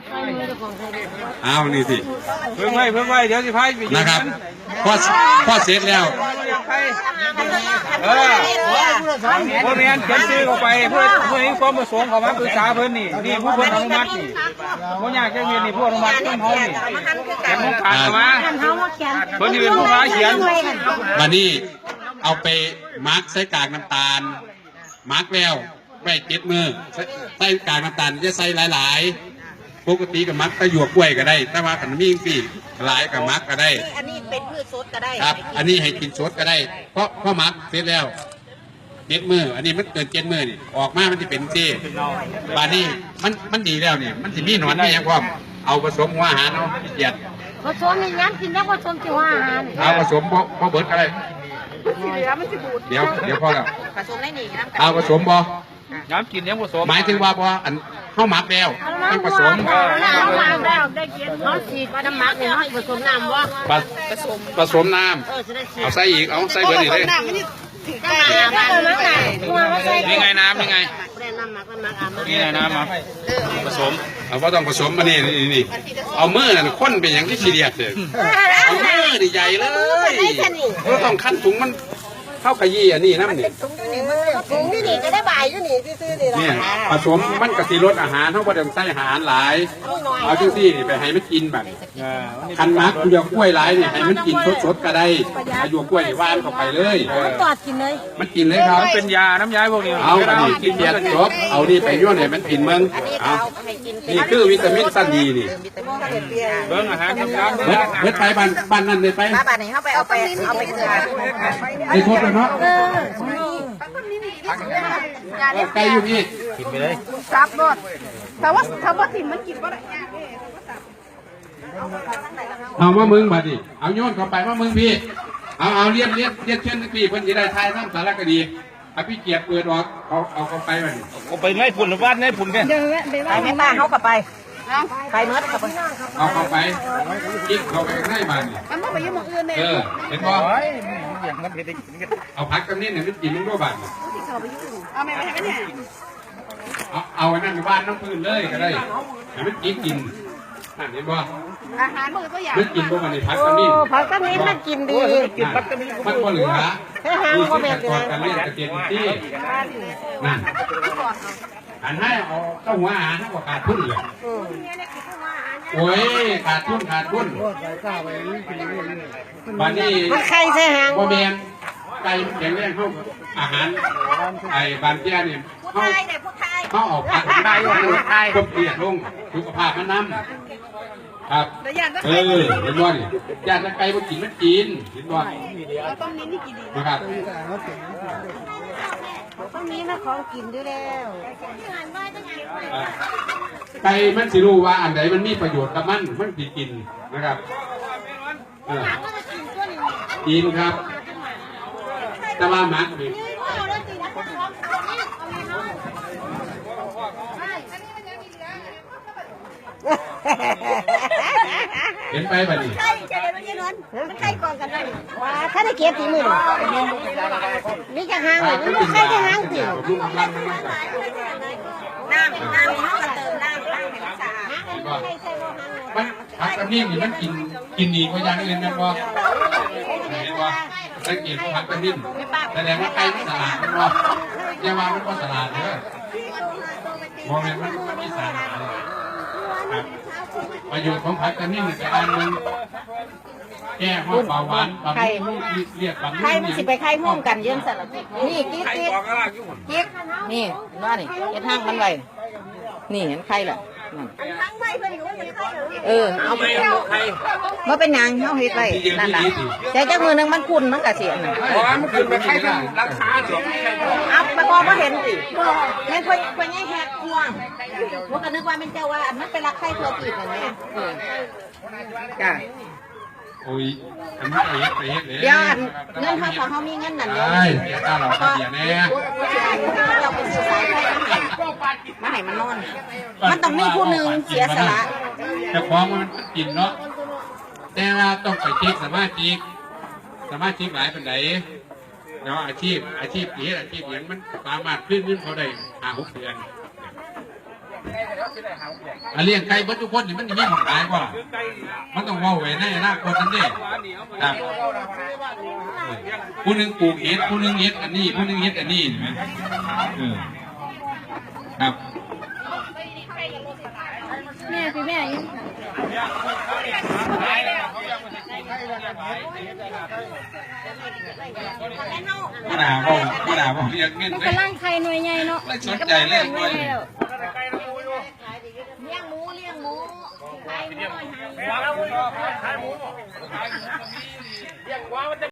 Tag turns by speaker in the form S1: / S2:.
S1: เอานี่สิ
S2: เพิ่งไว้เดี๋ยวสิพายไป
S1: นะครับพอเสร็จแล้ว
S2: พวกนี้เขียนชื่อเข้าไปเพื่อให้ความประสงค์เขามาปรึกษาเพิ่นนี่ผู้เพิ่นอนุมัตินี่ผู้ยากแค่เรียนนี่ผู้อนุมัติเพิ่นเฮานี่แกนของการมาเพิ่นนี่เป็นผู้พาเขียน
S1: วันนี้เอาไปมาร์กใส่กากน้ำตาลมาร์กแล้วไว้7 มือใส่กากน้ำตาลจะใส่หลายๆปกติกับมักตะหยวกกล้วยก็ได้แต่ว่าขันมีสิหลายกับมักก็ได้
S3: อันนี้เป็นพืชสดก็ได้
S1: ครับอันนี้ให้กินสดก็ได้เพราะมักเสร็จแล้ว7 มืออันนี้มันเกิน7 มือนี่ออกมามันจะเป็นเจ้บานนี้มันดีแล้วเนี่ยมันจะมีหนอนไม่ยังพร้อมเอาผสมหัวอาหารเอาเกียด
S3: ผสมในน้ำกินแล้วผสมหัวอาหาร
S1: เอาผสมพอเบิร์ดก็ได้เดี๋ยวพอแล้ว
S3: ผสมได้หนีน้ำ
S1: เอาผสมบ่
S2: น้ำกินยังผสม
S1: หมายถึงว่าพออันเข้ามักแล้วต้องผสม
S3: แล้วได้กินเขาฉีดน้ำมักเนี่ยเขาผสมน้ำว่า
S1: ผสมน้ำเอาใส่อีกเอาใส่เบอร์นี่เลย
S2: นี่ไงน้ำนี่ไงนี่ไงน้ำมาผสม
S1: เอาว่าต้องผสมมานี่เอามือนั่นข้นเป็นอย่างที่ขี้เดียดเลยเอามือใหญ่เลยเราต้องขั้นถุงมันเข้าขยี้อันนี้น้ำนี่
S3: ถุงนี่จะได้บ่ายอยู่นี่ซื้อๆนี่
S1: ละเนี่ยผสมมันกะทิรสอาหารเท่ากับเดิมใส่อาหารหลายเอาจังซี่นี่ไปให้มันกินแบบคันมักหยวกกล้วยหลายนี่ให้มันกินสดๆก็ได้หยวกกล้วยหวานเข้าไปเลย
S3: มันตอดกินเลย
S1: มันกินเลยครับ
S2: เป็นยาน้ำยาพวกนี้
S1: เอาอันนี้กินเบียร์จบเอานี่ไปยั่วเนี่ยมันกินมึงเอานี่คือวิตามินสั้นดีนี่
S2: เบิ้งอาหารทำงาน
S1: เบิดไปบ้านนั่นเลยไป
S3: บ้านไหนเข้าไปเอาไป
S1: ไอ้โทษเลยเนาะไก่อยู่นี่
S2: กินไปเลย
S3: ซับรสแต่ว่าถิ่นมันกินก็ได้
S1: เอาว่ามึงมาดิเอาโยนเข้าไปว่ามึงพี่เอาเรียนเช่นพี่คนจะได้ทายน้ำสารคดีเอาพี่เกียรติเปิดออกเอาเข้าไปมัน
S2: เอาไปไงฝุ่นหรือว่าไงฝุ่นกัน
S3: ไปไม่บ้าเขากลับไปไปเมื่อกับไป
S1: เอาเข้าไปกิ๊กเข้าไปให้บ้านนี่
S3: มันไม่ไปยุ่งอื่นเลย
S1: เห็นบ่เอาพักกันนี่เนี่ยมันกินมึงด้วยบ้าน
S3: เอาไม่ให้กันเนี่ย
S1: เอาไว้นั่นอยู่บ้านน้ำพื้นเลยก็ได้แต่มันกินนั่นเห็นบ่
S3: อาหารมือตัวอย่าง
S1: มันกินบ่มันในพักกันนี่
S3: พักกันนี่มันกินดี
S1: กินพักกันนี่มันบ่เหลือมีสิ่งก่อนกันเล่นกระเทียมที่นั่นอันให้เอาเจ้าหัวอาหารเท่ากับขาดทุนเลยโอ้ยขาดทุนบ้านนี้
S3: มันไข่ใช่หาง
S1: บ่แมนไก่แข็งแรงเข้าอาหารไอ้บานเตี้ยเนี่ยเขาออกผักได้ก็เปลี่ยนลงสุขภาพมันน้ำครับเห็นบ่นี่ญาติไก่บ่กินมันกินเห็นบ่นะครับ
S3: ตรงนี้นะของกินด้วยแล้ว
S1: ไก่มันสิรู้ว่าอันไหนมันมีประโยชน์กับมันสิกินนะครับกินครับแต่ว่าหมักนี่เห็นไปป่ะนี่
S3: มันไข่กองกันเลยว่าถ้าได้เก็บตีมือนี่จะหางเลยมันไข่จะหางตีน้ำเขาก็เติมน้ำให้มันสะอาด
S1: มันผักกระนิ่มนี่มันกินดีกว่าอย่างอื่นนะพ่อเห็นว่าสังเกตผักกระนิ่มแสดงว่าไก่มันสลาดนะพ่ออย่าว่ามันก็สลาดเลยมองเห็นมันมีสารครับประโยชน์ของผักกระนิ่มแต่อันนึงแก้ห้องเบาหวานบำรุงเรียกบำรุง
S3: ไข่มันสิไปไข่ม่วงกันเยอะสลับนี่กิ๊กนี่ว่านี่เห็นห้างมันไว้นี่เห็นไข่แหละเอาไปไข่ว่าเป็นยังเขาเฮ็ดไว้นั่นแหละแต่เจ้ามือนึงมันคุ้นมันกระเสียน
S1: มันขึ้นไปไข่ทั้งราคาเสีย
S3: อัพไปบอกว่าเห็นสิแม่คนแย่แหกควงว่ากันนึกว่าเป็นเจ้าว่ามันเป็นรักไข่ตัวจีบอย่างนี้จ้ะ
S1: โอ้ยอันนี้ไปเฮ็ดเลย
S3: เดี๋ยวเงินเขามีเงินนั่นเลย
S1: เดี๋ยวเราเดี๋ยวแน่
S3: เราไปซื้อสายไฟมาให้มันนอนมันต้องมีผู้หนึ่งเสียสละ
S1: แต่ของมันกินเนาะแต่ว่าต้องไปเช็คสมาชิกหลายเป็นไหนเนาะอาชีพอาชีพอย่างมันสามารถขึ้นเขาได้5-6 เดือนเลี้ยงไก่เบิดทุกคนนี่มันมีหมองขายกว่ามันต้องว่าไว้ในอนาคตนั่นเองครับผู้หนึ่งปลูกเห็ดผู้หนึ่งเห็ดอันนี้ผู้หนึ่งเห็ดอันนี้เห็นไหมครับ
S4: แม่พี่แม่ยัง
S1: ก็ด่าบอกเรียกเงิน
S4: มัน
S1: เลย
S4: กำลังไข่หน่วยใหญ่เนาะ
S1: ไม่สนใจเลยด้วย
S3: เลี้ยงหมูไข่หมู